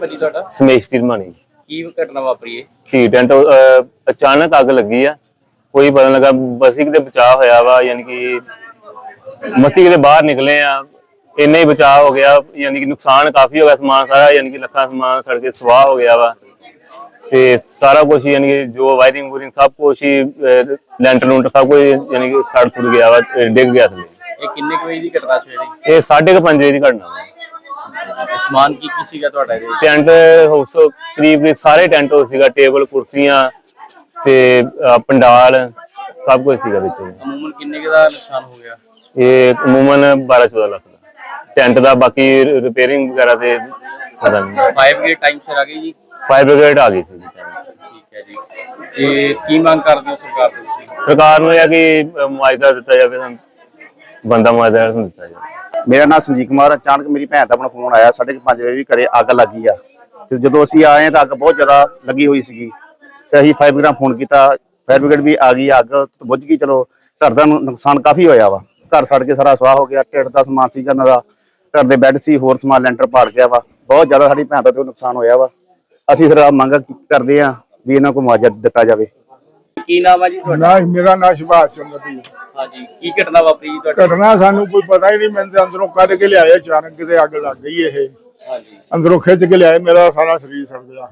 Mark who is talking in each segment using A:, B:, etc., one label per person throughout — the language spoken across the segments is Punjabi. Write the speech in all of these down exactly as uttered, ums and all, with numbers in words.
A: ਭਾਜੀ ਤੁਹਾਡਾ?
B: ਸਮੇਸ਼ ਤਿਰਮਾਨੀ।
A: ਕੀ ਘਟਨਾ ਵਾਪਰੀ ਹੈ?
B: ਧੀ ਟੈਂਟ ਅਚਾਨਕ ਅੱਗ ਲੱਗੀ ਆ, ਕੋਈ ਪਤਾ ਲੱਗਾ। ਬਸ ਕਿਤੇ ਬਚਾਅ ਹੋਇਆ ਵਾ, ਯਾਨੀ ਕਿ ਮਸੀਂ ਕਿਤੇ ਬਾਹਰ ਨਿਕਲੇ ਆ, ਇੰਨਾ ਹੀ ਬਚਾਅ ਹੋ ਗਿਆ। ਯਾਨੀ ਕਿ ਨੁਕਸਾਨ ਕਾਫੀ ਹੋ ਗਿਆ, ਸਮਾਨ ਸਾਰਾ ਯਾਨੀ ਕਿ ਲੱਖਾਂ ਸਮਾਨ ਸੜ ਕੇ ਸਵਾਹ ਹੋ ਗਿਆ ਵਾ। ਤੇ ਸਾਰਾ ਕੁਛ ਯਾਨੀ ਕਿ ਜੋ ਵਾਇਰਿੰਗ ਵੂਰਿੰਗ ਸਭ ਕੁਛ ਹੀ, ਲੈਂਟਰ ਲੂੰਟਰ ਸਭ ਕੁਝ ਯਾਨੀ ਕਿ ਸੜ ਸੁੜ ਗਿਆ ਵਾ, ਡਿੱਗ ਗਿਆ ਥੱਲੇ।
A: ਇਹ ਕਿੰਨੇ ਕੁ ਵਜੇ ਦੀ ਘਟਨਾ ਸਵੇਰੇ?
B: ਇਹ ਸਾਢੇ ਕੁ ਪੰਜ ਵਜੇ ਦੀ ਘਟਨਾ ਵਾ।
A: ਸਮਾਨ ਕੀ ਕੀ ਸੀਗਾ ਤੁਹਾਡਾ ਇਹਦੇ ਵਿੱਚ?
B: ਟੈਂਟ ਹਾਊਸ ਕਰੀਬ ਸਾਰੇ ਟੈਂਟ ਹਾਊਸ ਸੀਗਾ, ਟੇਬਲ ਕੁਰਸੀਆਂ ਤੇ ਪੰਡਾਲ ਸਭ ਕੁਝ ਸੀਗਾ ਵਿੱਚ।
A: ਅਮੂਮਨ ਕਿੰਨੇ ਕੁ ਦਾ ਨੁਕਸਾਨ ਹੋ ਗਿਆ?
B: ਇਹ ਅਮੂਮਨ ਬਾਰਾਂ ਚੌਦਾਂ ਲੱਖ ਦਾ ਟੈਂਟ ਦਾ, ਬਾਕੀ ਰਿਪੇਅਰਿੰਗ ਵਗੈਰਾ ਤੇ ਪਤਾ ਨਹੀਂ।
A: ਫਾਇਰ ਬ੍ਰਿਗੇਡ ਟਾਈਮ ਸਿਰ ਆ ਗਈ ਜੀ?
B: ਫਾਇਰ ਬ੍ਰਿਗੇਡ ਆ ਗਈ ਸੀ।
A: ਠੀਕ ਹੈ ਜੀ। ਤੇ ਕੀ ਮੰਗ ਕਰਦੇ ਹੋ ਸਰਕਾਰ ਤੋਂ?
B: ਸਰਕਾਰ ਨੂੰ ਇਹ ਕਿ ਮੁਆਵਜ਼ਾ ਦਿੱਤਾ ਜਾਵੇ, ਸਾਨੂੰ ਬੰਦਾ ਮੁਆਵਜ਼ਾ ਦਿੱਤਾ ਜਾਵੇ।
C: ਮੇਰਾ ਨਾਮ ਸੰਜੀਤ ਕੁਮਾਰ। ਅਚਾਨਕ ਮੇਰੀ ਭੈਣ ਦਾ ਆਪਣਾ ਫੋਨ ਆਇਆ ਸਾਢੇ ਕੁ ਪੰਜ ਵਜੇ ਵੀ ਘਰੇ ਅੱਗ ਲੱਗੀ ਆ। ਤੇ ਜਦੋਂ ਅਸੀਂ ਆਏ ਤਾਂ ਅੱਗ ਬਹੁਤ ਜ਼ਿਆਦਾ ਲੱਗੀ ਹੋਈ ਸੀਗੀ ਤੇ ਅਸੀਂ ਫਾਇਰ ਬ੍ਰਿਗੇਡ ਫੋਨ ਕੀਤਾ। ਫਾਇਰ ਬ੍ਰਿਗੇਡ ਵੀ ਆ ਗਈ, ਅੱਗ ਬੁੱਝ ਗਈ। ਚਲੋ ਘਰ ਦਾ ਨੁਕਸਾਨ ਕਾਫੀ ਹੋਇਆ ਵਾ, ਘਰ ਸੜ ਕੇ ਸਾਰਾ ਸਵਾਹ ਹੋ ਗਿਆ। ਢਿੱਡ ਦਾ ਸਮਾਨ ਸੀ, ਇਹਨਾਂ ਦਾ ਘਰ ਦੇ ਬੈੱਡ ਸੀ, ਹੋਰ ਸਮਾਨ ਲੈਂਟਰ ਪਾੜ ਗਿਆ ਵਾ। ਬਹੁਤ ਜ਼ਿਆਦਾ ਸਾਡੀ ਭੈਣ ਦਾ ਤੇ ਨੁਕਸਾਨ ਹੋਇਆ ਵਾ। ਅਸੀਂ ਫਿਰ ਮੰਗ ਕਰਦੇ ਹਾਂ ਵੀ ਇਹਨਾਂ ਕੋਲ ਮੁਆਵਜ਼ਾ ਦਿੱਤਾ ਜਾਵੇ।
A: ਕੀ ਨਾਮ ਹੈ ਜੀ ਤੁਹਾਡਾ?
D: ਨਾ ਮੇਰਾ ਨਾਮ ਸੁਭਾਸ਼ ਚੰਦਰ ਜੀ।
A: ਹਾਂਜੀ, ਕੀ ਘਟਨਾ ਵਾਪਰੀ ਜੀ ਤੁਹਾਡੀ?
D: ਘਟਨਾ ਸਾਨੂੰ ਕੋਈ ਪਤਾ ਹੀ ਨਹੀਂ। ਮੈਂ ਤੇ ਅੰਦਰੋਂ ਕੱਢ ਕੇ ਲਿਆਏ, ਅਚਾਨਕ ਕਿਤੇ ਅੱਗ ਲੱਗ ਗਈ। ਇਹ
A: ਹਾਂਜੀ,
D: ਅੰਦਰੋਂ ਖਿੱਚ ਕੇ ਲਿਆਏ, ਮੇਰਾ ਸਾਰਾ ਸਰੀਰ ਸੜ ਗਿਆ।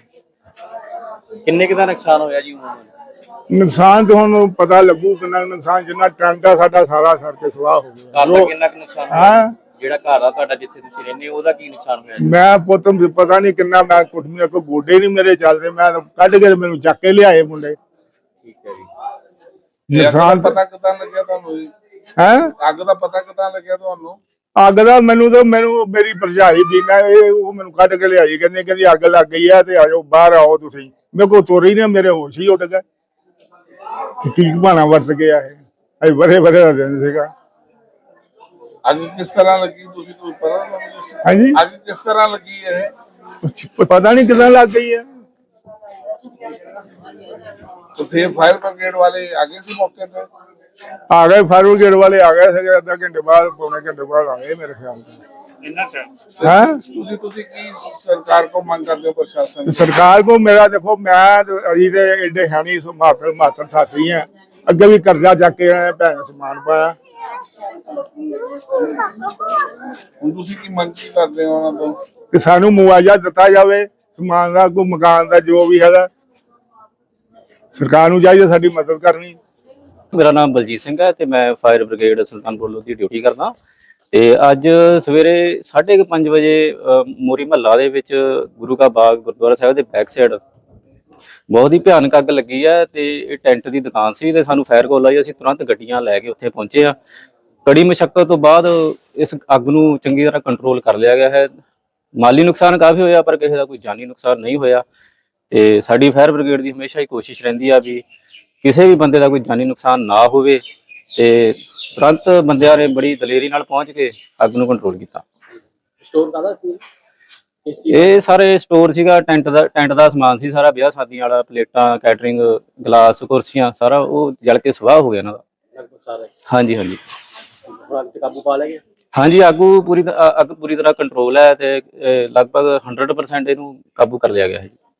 A: ਕਿੰਨੇ ਕੁ ਦਾ ਨੁਕਸਾਨ ਹੋਇਆ ਜੀ?
D: ਨੁਕਸਾਨ ਤੇ ਹੁਣ ਪਤਾ ਲੱਗੂ ਕਿੰਨਾ ਨੁਕਸਾਨ। ਜਿੰਨਾ ਟੈਂਟ ਆ ਸਾਡਾ ਸਾਰਾ ਸੜ ਕੇ ਸਵਾਹ ਹੋ ਗਿਆ।
A: ਘਰ ਦਾ ਕਿੰਨਾ ਕੁ ਨੁਕਸਾਨ ਹੋਇਆ?
D: ਹਾਂ,
A: ਜਿਹੜਾ ਘਰ ਆ ਤੁਹਾਡਾ ਜਿੱਥੇ ਤੁਸੀਂ ਰਹਿੰਦੇ ਹੋ ਉਹਦਾ ਕੀ ਨੁਕਸਾਨ ਹੋਇਆ ਜੀ?
D: ਮੈਂ ਪੁੱਤ ਪਤਾ ਨਹੀਂ ਕਿੰਨਾ। ਮੈਂ ਕੁੱਟਮੀਆਂ ਕੋ ਗੋਡੇ ਨਹੀਂ ਮੇਰੇ ਚੱਲਦੇ। ਮੈਂ ਕੱਢ ਕੇ ਮੈਨੂੰ ਚੱਕ ਕੇ ਲਿਆਏ ਮੁੰਡੇ।
A: ਠੀਕ ਹੈ ਜੀ।
D: ਨੁਕਸਾਨ
E: ਪਤਾ ਕਿਦਾਂ ਲੱਗਿਆ ਤੁਹਾਨੂੰ?
D: ਹੈ
E: ਅੱਗ ਦਾ ਪਤਾ ਕਿਦਾਂ ਲੱਗਿਆ ਤੁਹਾਨੂੰ?
D: ਅੱਗ ਦਾ ਮੈਨੂੰ ਤਾਂ ਮੈਨੂੰ ਮੇਰੀ ਭਰਜਾਈ ਦੀ ਮੈਂ ਇਹ ਉਹ ਮੈਨੂੰ ਕੱਢ ਕੇ ਲਿਆਈ। ਕਹਿੰਦੇ ਕਹਿੰਦੀ ਅੱਗ ਲੱਗ ਗਈ ਆ ਤੇ ਆਜੋ ਬਾਹਰ ਆਓ ਤੁਸੀਂ। ਮੇਰੇ ਕੋਲ ਤੁਰ ਹੀ ਨਾ, ਮੇਰੇ ਹੋਸ਼ ਹੀ ਉੱਡ ਗਏ। ਕੀ ਬਹਾਨਾ ਵਰਤ ਗਿਆ ਇਹ? ਅਜੇ ਬੜੇ ਬੜੇ ਦਾ ਦਿਨ ਸੀਗਾ।
E: ਅੱਗ ਕਿਸ ਤਰ੍ਹਾਂ ਲੱਗੀ ਤੁਸੀਂ ਕੋਈ ਪਤਾ ਤੁਹਾਨੂੰ?
D: ਹਾਂਜੀ,
E: ਅੱਗ ਕਿਸ ਤਰ੍ਹਾਂ ਲੱਗੀ ਇਹ?
D: ਪਤਾ ਨਹੀਂ ਕਿੱਦਾਂ ਲੱਗ ਗਈ ਹੈ।
E: तो फिर फायर ब्रिगेड वाले आगे से मौके पे
D: आ गए, फायर ब्रिगेड वाले आ गए थे। आधा घंटे बाद पौने घंटे बाद आ गए मेरे ख्याल से। हैं
E: ਤੁਸੀਂ ਤੁਸੀਂ ਕੀ ਸਰਕਾਰ ਕੋ ਮੰਗ ਕਰਦੇ ਹੋ? ਪ੍ਰਸ਼ਾਸਨ
D: सरकार को मेरा देखो, मैं अभी तो एडे है नहीं मातर मातर साथी हैं। अगे भी कर्जा जाके भैन समान पाया।
E: ਹੁਣ ਤੁਸੀਂ ਕੀ ਮੰਗ ਕੀ ਕਰਦੇ ਹੋ ਉਹਨਾਂ ਤੋਂ?
D: कि सानू मुआवजा दिता जाए, समान का कोई मकान का जो भी है। सरकार नूं चाहिए साडी मदद करनी।
A: ਮੇਰਾ ਨਾਮ ਬਲਜੀਤ ਸਿੰਘ ਹੈ ਤੇ ਮੈਂ ਫਾਇਰ ਬ੍ਰਿਗੇਡ ਸੁਲਤਾਨਪੁਰ ਲੋਧੀ ਦੀ ਡਿਊਟੀ ਕਰਦਾ। ਤੇ ਅੱਜ ਸਵੇਰੇ ਸਾਢੇ ਕੁ ਪੰਜ ਵਜੇ ਮੋਰੀ ਮਹੱਲਾ ਦੇ ਵਿੱਚ ਗੁਰੂ ਕਾ ਬਾਗ ਗੁਰਦੁਆਰਾ ਸਾਹਿਬ ਦੇ ਬੈਕ ਸਾਈਡ ਬਹੁਤ ਹੀ ਭਿਆਨਕ ਅੱਗ ਲੱਗੀ ਹੈ। ਤੇ ਇਹ ਟੈਂਟ ਦੀ ਦੁਕਾਨ ਸੀ ਤੇ ਸਾਨੂੰ ਫਾਇਰ ਕਾਲ ਆਈ। ਅਸੀਂ ਤੁਰੰਤ ਗੱਡੀਆਂ ਲੈ ਕੇ ਉੱਥੇ ਪਹੁੰਚੇ ਆ। ਕੜੀ ਮੁਸ਼ੱਕਤ ਤੋਂ ਬਾਅਦ ਇਸ ਅੱਗ ਨੂੰ ਚੰਗੀ ਤਰ੍ਹਾਂ ਕੰਟਰੋਲ ਕਰ ਲਿਆ ਗਿਆ ਹੈ। ਮਾਲੀ ਨੁਕਸਾਨ ਕਾਫੀ ਹੋਇਆ ਪਰ ਕਿਸੇ ਦਾ ਕੋਈ ਜਾਨੀ ਨੁਕਸਾਨ ਨਹੀਂ ਹੋਇਆ। ਤੇ ਸਾਡੀ ਫਾਇਰ ਬ੍ਰਿਗੇਡ ਦੀ ਹਮੇਸ਼ਾ ਹੀ ਕੋਸ਼ਿਸ਼ ਰਹਿੰਦੀ ਆ ਵੀ ਕਿਸੇ ਵੀ ਬੰਦੇ ਦਾ ਕੋਈ ਜਾਨੀ ਨੁਕਸਾਨ ਨਾ ਹੋਵੇ। ਤੇ ਤੁਰੰਤ ਬੰਦਿਆਂ ਨੇ ਬੜੀ ਦਲੇਰੀ ਨਾਲ ਪਹੁੰਚ ਕੇ ਅੱਗ ਨੂੰ ਕੰਟਰੋਲ ਕੀਤਾ। ਸਟੋਰ ਕਾਹਦਾ ਸੀ ਇਹ? ਸਾਰੇ ਸਟੋਰ ਸੀਗਾ, ਟੈਂਟ ਦਾ ਟੈਂਟ ਦਾ ਸਮਾਨ ਸੀ ਸਾਰਾ, ਵਿਆਹ ਸ਼ਾਦੀਆਂ ਵਾਲਾ, ਪਲੇਟਾਂ, ਕੈਟਰਿੰਗ, ਗਲਾਸ, ਕੁਰਸੀਆਂ, ਸਾਰਾ ਉਹ ਜਲ ਕੇ ਸਵਾਹ ਹੋ ਗਿਆ ਇਹਨਾਂ ਦਾ। ਹਾਂਜੀ ਹਾਂਜੀ, ਕਾਬੂ ਪਾ ਲਿਆ ਗਿਆ। ਹਾਂਜੀ, ਆਗੂ ਪੂਰੀ ਅੱਗ ਪੂਰੀ ਤਰ੍ਹਾਂ ਕੰਟਰੋਲ ਹੈ ਤੇ ਲਗਭਗ ਹੰਡਰਡ ਪਰਸੈਂਟ ਇਹਨੂੰ ਕਾਬੂ ਕਰ ਲਿਆ ਗਿਆ ਹੈ।